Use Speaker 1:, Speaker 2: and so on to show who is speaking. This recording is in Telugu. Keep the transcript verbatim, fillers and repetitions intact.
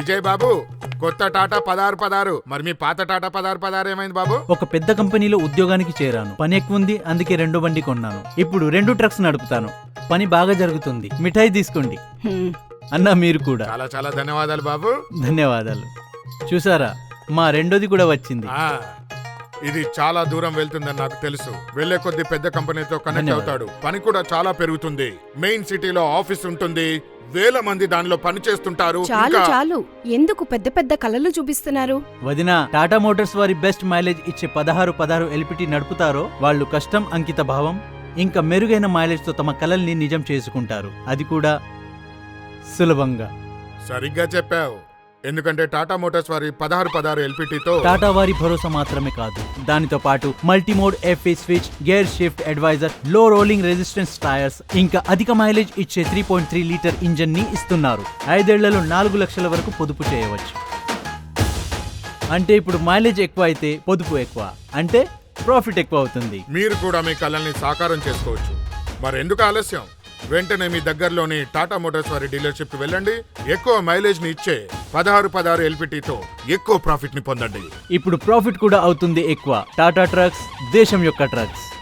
Speaker 1: విజయ్ బాబు, కొత్త టాటా పదహారు పదహారు, మరి మీ పాత టాటా పదహారు పదహారు ఏమైంది బాబు?
Speaker 2: ఒక పెద్ద కంపెనీలో ఉద్యోగానికి చేరాను. పని ఎక్కువ ఉంది, అందుకే రెండో బండి కొన్నాను. ఇప్పుడు రెండు ట్రక్స్ నడుపుతాను. పని బాగా జరుగుతుంది. మిఠాయి తీసుకోండి. అన్నా మీరు కూడా.
Speaker 1: చాలా చాలా ధన్యవాదాలు బాబు.
Speaker 2: ధన్యవాదాలు. చూసారా, మా రెండోది కూడా వచ్చింది.
Speaker 1: ఆ, ఇది చాలా దూరం వెళ్తుందని నాకు తెలుసు. వెళ్లే కొద్ది పెద్ద కంపెనీతో కనెక్ట్ అవుతాడు. పని కూడా చాలా పెరుగుతుంది. మెయిన్ సిటీలో ఆఫీస్ ఉంటుంది. వేల మంది దానిలో పని చేస్తుంటారు.
Speaker 3: చాలు చాలు, ఎందుకు పెద్ద పెద్ద కలలు చూపిస్తున్నారు?
Speaker 2: వదిన, టాటా మోటార్స్ వారి బెస్ట్ మైలేజ్ ఇచ్చే పదహారు పదహారు ఎల్పిటి నడుపుతారో వాళ్ళు కష్టం, అంకిత భావం ఇంకా మెరుగైన మైలేజ్ తో తమ కలల్ని నిజం చేసుకుంటారు. అది కూడా సులభంగా.
Speaker 1: సరిగ్గా చెప్పావు. ఎందుకంటే టాటా మోటార్స్ వారి పదహారు పదహారు ఎల్పిటితో
Speaker 2: టాటా వారి భరోసా మాత్రమే కాదు, దానితో పాటు multimode FE switch, gear shift advisor, low rolling resistance tyres, ఇంకా అధిక మైలేజ్ ఇచ్చే three point three litre engine ని ఇస్తున్నారు. ఐదేళ్లలో నాలుగు లక్షల వరకు పొదుపు చేయవచ్చు. అంటే ఇప్పుడు మైలేజ్ ఎక్కువ అయితే పొదుపు ఎక్కువ, అంటే ప్రాఫిట్ ఎక్కువ అవుతుంది.
Speaker 1: మీరు కూడా మీ కలల్ని సాకారం చేసుకోవచ్చు. మరెందుకు ఆలస్యం? వెంటనే మీ దగ్గరలోని టాటా మోటార్స్ వారి డీలర్షిప్ కి వెళ్ళండి. ఎక్కువ మైలేజ్ ని ఇచ్చే పదహారు పదహారు ఎల్పిటితో ఎక్కువ ప్రాఫిట్ ని పొందండి.
Speaker 2: ఇప్పుడు ప్రాఫిట్ కూడా అవుతుంది ఎక్కువ. టాటా ట్రక్స్, దేశం యొక్క ట్రక్స్.